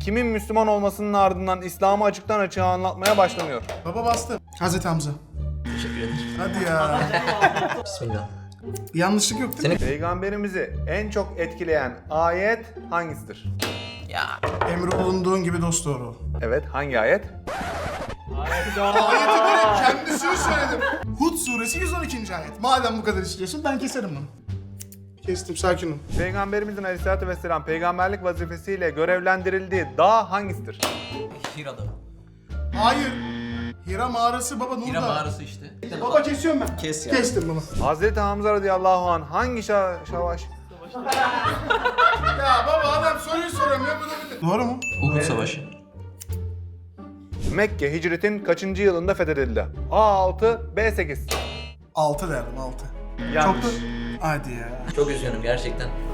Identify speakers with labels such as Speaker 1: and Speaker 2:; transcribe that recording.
Speaker 1: kimin Müslüman olmasının ardından İslam'ı açıktan açığa anlatmaya başlanıyor?
Speaker 2: Baba bastı. Hazreti Hamza.
Speaker 3: Teşekkür ederim.
Speaker 2: Hadi ya.
Speaker 3: Bismillah.
Speaker 2: Yanlışlık yok değil mi?
Speaker 1: Peygamberimizi en çok etkileyen ayet hangisidir?
Speaker 3: Ya.
Speaker 2: Emri olunduğun gibi dost doğru ol.
Speaker 1: Evet, hangi ayet?
Speaker 2: Ayeti direkt kendisini söyledim. Hud suresi 112. ayet. Madem bu kadar istiyorsun ben keserim bunu. Kestim, sakin ol.
Speaker 1: Peygamberimizin aleyhissalatü vesselam peygamberlik vazifesiyle görevlendirildiği dağ hangisidir?
Speaker 3: Hira'da.
Speaker 2: Hayır. Hira mağarası baba Nur'da.
Speaker 3: Hira mağarası işte.
Speaker 2: Baba kesiyorum ben.
Speaker 3: Kes ya.
Speaker 2: Kestim baba.
Speaker 1: Hazreti Hamza radıyallahu anh hangi savaş?
Speaker 2: Ya baba adam soruyu soramıyor bu da bir... Doğru mu?
Speaker 3: Uhud Savaşı.
Speaker 1: Mekke hicretin kaçıncı yılında fethedildi? A6, B8.
Speaker 2: 6 derdim 6.
Speaker 1: Yanlış.
Speaker 2: Çok da... Hadi ya.
Speaker 3: Çok üzgünüm gerçekten.